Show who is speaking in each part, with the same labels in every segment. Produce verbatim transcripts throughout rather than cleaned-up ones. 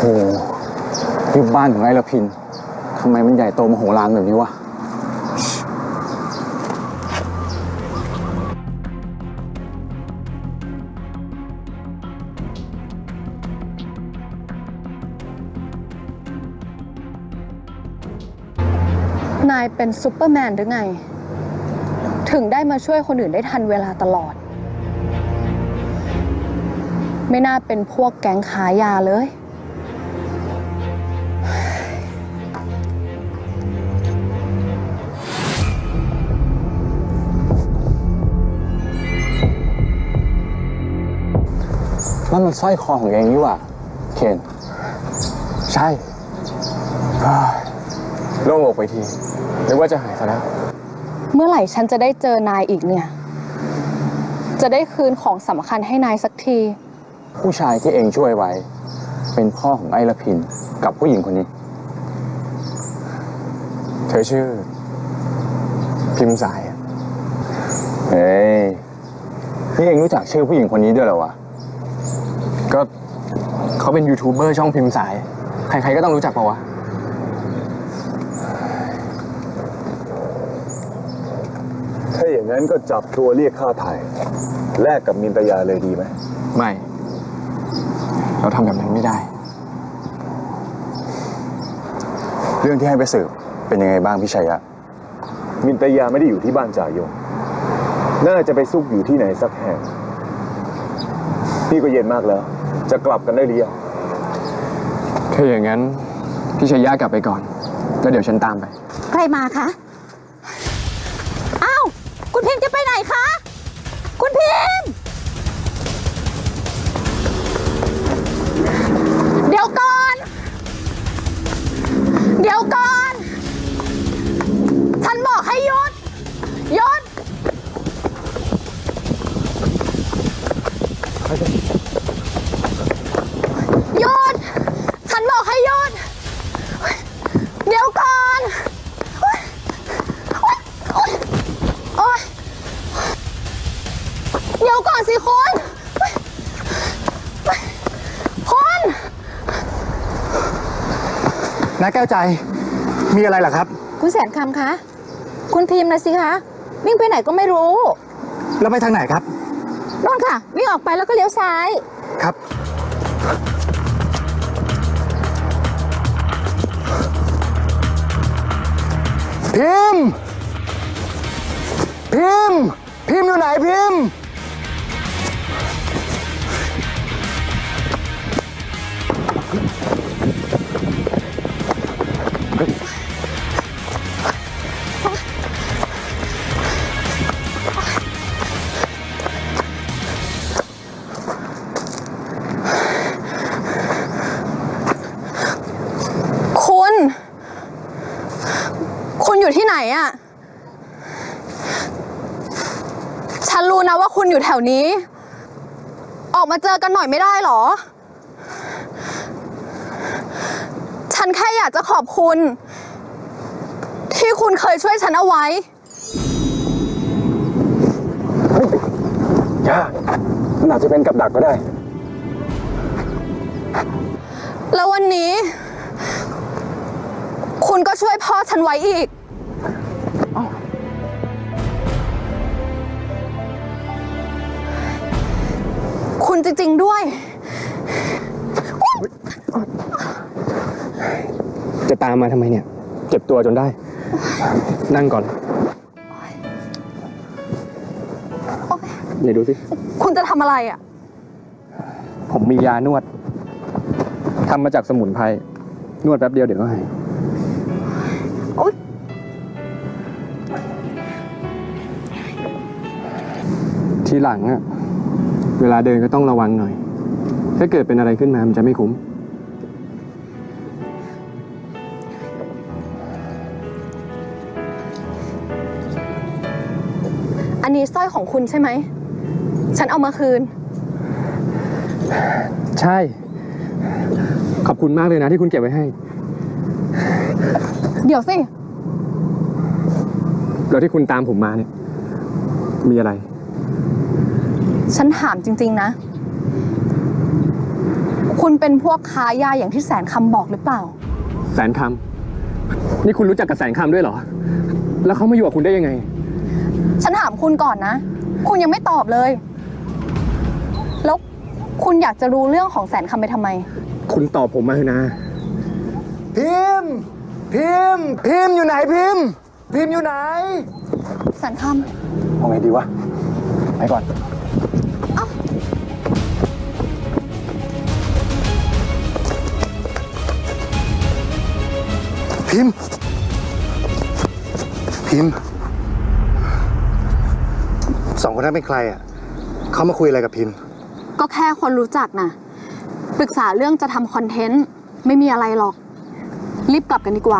Speaker 1: โอ้ที่บ้านของไอ้ละพินทำไมมันใหญ่โตมโหฬารแบบนี้วะ
Speaker 2: นายเป็นซุปเปอร์แมนหรือไงถึงได้มาช่วยคนอื่นได้ทันเวลาตลอดไม่น่าเป็นพวกแก๊งขายยาเลย
Speaker 1: นั่นมันสร้อยคอของเองนี่หว่าเคนใช่โล่งอกไปทีนึกว่าจะหายซะแล้ว
Speaker 2: เมื่อไหร่ฉันจะได้เจอนายอีกเนี่ยจะได้คืนของสำคัญให้นายสักที
Speaker 1: ผู้ชายที่เองช่วยไว้เป็นพ่อของไอ้ละพินกับผู้หญิงคนนี้เธอชื่อพิมพ์สายเฮ้ยนี่เองรู้จักชื่อผู้หญิงคนนี้ด้วยเหรอวะก็เขาเป็นยูทูบเบอร์ช่องพิมพ์สายใครๆก็ต้องรู้จักปะวะ
Speaker 3: ถ้าอย่างนั้นก็จับตัวเรียกค่าไถ่แลกกับมินตยาเลยดีไหม
Speaker 1: ไม่เราทำแบบนั้นไม่ได้เรื่องที่ให้ไปสืบเป็นยังไงบ้างพี่ชัยยะ
Speaker 3: มินตยาไม่ได้อยู่ที่บ้านจ่ายงน่าจะไปซุกอยู่ที่ไหนสักแห่งนี่ก็เย็นมากแล้วจะกลับกันได้หรือยัง
Speaker 1: ถ้าอย่างนั้นพี่ชัยยะกลับไปก่อนแล้วเดี๋ยวฉันตามไป
Speaker 4: ใครมาคะอ้าวคุณพิมพ์จะไปไหนคะคุณพิมพ์
Speaker 2: เดี๋ยวก่อนเดี๋ยวก่อนฉันบอกให้หยุดหยุดหยุดฉันบอกให้หยุดเดี๋ยวก่อนโอ๊ยโอ๊ยเดี๋ยวก่อนสิคุณคุณ
Speaker 1: น้าแก้วใจมีอะไรเหรอครับ
Speaker 4: คุณแสนคำคะคุณพิมพ์นะสิคะวิ่งไปไหนก็ไม่รู้
Speaker 1: แล้วไปทางไหนครับ
Speaker 4: โน่นค่ะวิ่งออกไปแล้วก็เลี้ยวซ้าย
Speaker 1: ครับพิมพ์พิมพ์พิมพ์อยู่ไหนพิมพ์
Speaker 2: คุณคุณอยู่ที่ไหนอะฉันรู้นะว่าคุณอยู่แถวนี้ออกมาเจอกันหน่อยไม่ได้หรอฉันแค่อยากจะขอบคุณที่คุณเคยช่วยฉันเอาไว้
Speaker 1: ย่ามันอาจจะเป็นกับดักก็ได้
Speaker 2: แล้ววันนี้คุณก็ช่วยพ่อฉันไว้อีกคุณจริงๆด้วย
Speaker 1: จะตามมาทำไมเนี่ยเจ็บตัวจนได้นั่งก่อนเดี๋ยวดูสิ
Speaker 2: คุณจะทำอะไรอ่ะ
Speaker 1: ผมมียานวดทำมาจากสมุนไพรนวดแป๊บเดียวเดี๋ยวก็หายทีหลังอะเวลาเดินก็ต้องระวังหน่อยถ้าเกิดเป็นอะไรขึ้นมามันจะไม่คุ้ม
Speaker 2: อันนี้สร้อยของคุณใช่ไหมฉันเอามาคืน
Speaker 1: ใช่ขอบคุณมากเลยนะที่คุณเก็บไว้ให้
Speaker 2: เดี๋ยวสิ
Speaker 1: แล้วที่คุณตามผมมาเนี่ยมีอะไร
Speaker 2: ฉันถามจริงๆนะคุณเป็นพวกค้ายาอย่างที่แสนคำบอกหรือเปล่า
Speaker 1: แสนคำนี่คุณรู้จักกับแสนคำด้วยเหรอ แล้วเขามาอยู่กับคุณได้ยังไง
Speaker 2: ฉันถามคุณก่อนนะ คุณยังไม่ตอบเลย แล้วคุณอยากจะรู้เรื่องของแสนคำไปทำไม
Speaker 1: คุณตอบผมมาเถอะนะ
Speaker 3: พิมพ์ พิมพ์ พิมพ์อยู่ไหนพิมพ์ พิมพ์อยู่ไหน
Speaker 2: แสนค
Speaker 3: เอาไงดีวะ ไปก่อน พิมพ์ พิมพ์ สองคนนั้นเป็นใครอ่ะ เขามาคุยอะไรกับพิมพ์
Speaker 2: ำก็แค่คนรู้จักนะปรึกษาเรื่องจะทำคอนเทนต์ ไม่มีอะไรหรอก รีบกลับกันดีกว่า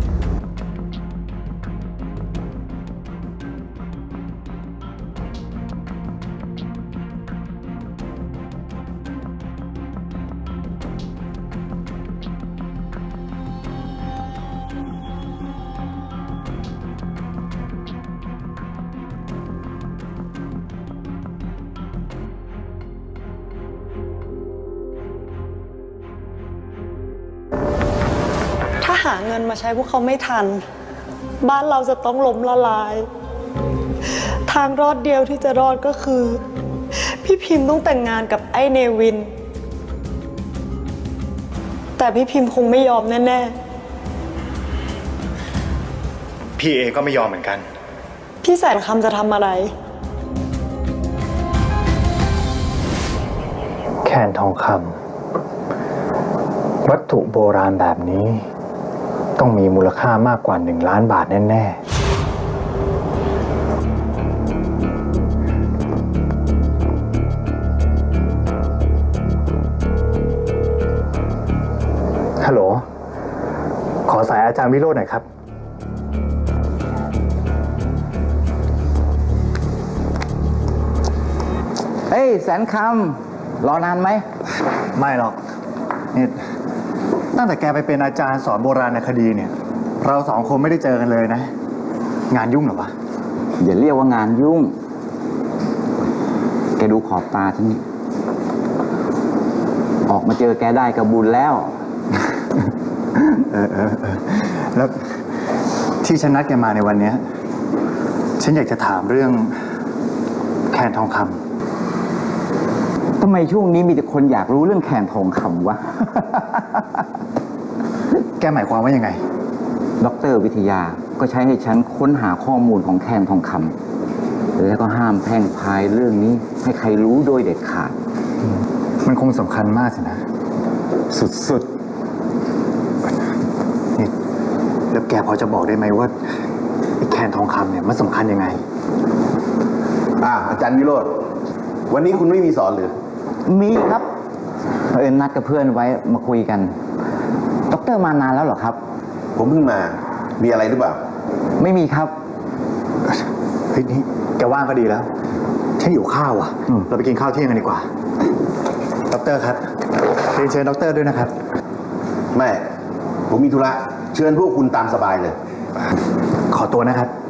Speaker 5: ถ้าหาเงินมาใช้พวกเขาไม่ทัน บ้านเราจะต้องล้มละลาย ทางรอดเดียวที่จะรอดก็คือ พี่พิมพ์ต้องแต่งงานกับไอ้เนวิน แต่พี่พิมพ์คงไม่ยอมแน่
Speaker 6: พี่เอก็ไม่ยอมเหมือนกัน
Speaker 5: ๆ พี่แสนคำจะทำอะไร
Speaker 3: แคนทองคำวัตถุโบราณแบบนี้ ต้องมีมูลค่ามากกว่าหนึ่งล้านบาทแน่ๆฮัลโหล ขอสายอาจารย์วิโรจน์หน่อยครับ
Speaker 7: เฮ้ยแสนคำรอนานไหม
Speaker 3: ไม่หรอกนี่ตั้งแต่แกไปเป็นอาจารย์สอนโบราณคดีเนี่ย เราสองคนไม่ได้เจอกันเลยนะ งานยุ่งเหรอวะ
Speaker 7: อย่าเรียกว่างานยุ่ง แกดูขอบตาฉันนี่ออกมาเจอแกได้กับบุญแล้ว
Speaker 3: เออเออเออแล้วที่ฉันนัดแกมาในวันเนี้ยฉันอยากจะถามเรื่องแคนทองคำ
Speaker 7: ทำไมช่วงนี้มีแต่คนอยากรู้เรื่องแคนทองคำวะ
Speaker 3: แกหมายความว่ายังไง
Speaker 7: ด็อกเตอร์วิทยาก็ใช้ให้ฉันค้นหาข้อมูลของแคนทองคำแล้วก็ห้ามแพร่งพรายเรื่องนี้ให้ใครรู้โดยเด็ดขาด
Speaker 3: มันคงสำคัญมากสินะ สุดๆนี่แล้วแกพอจะบอกได้ไหมว่าไอ้แคนทองคำเนี่ยมันสำคัญยังไง
Speaker 8: อ่าอาจารย์วิโรจน์วันนี้คุณไม่มีสอนหรือ
Speaker 7: มีครับเผอิญนัดกับเพื่อนไว้มาคุยกันด็อกเตอร์มานานแล้วเหรอครับ
Speaker 8: ผมเพิ่งมา มีอะไรหรือเปล่า
Speaker 7: ไม่มีครับ
Speaker 3: เฮ้ยนี่แกว่างก็ดีแล้ว ฉันหิวข้าวอ่ะ เราไปกินข้าวเที่ยงกันดีกว่าด็อกเตอร์ครับเรียนเชิญด็อกเตอร์ด้วยนะครับ
Speaker 8: ไม่ ผมมีธุระ เชิญพวกคุณตามสบายเลย
Speaker 3: ขอตัวนะครับ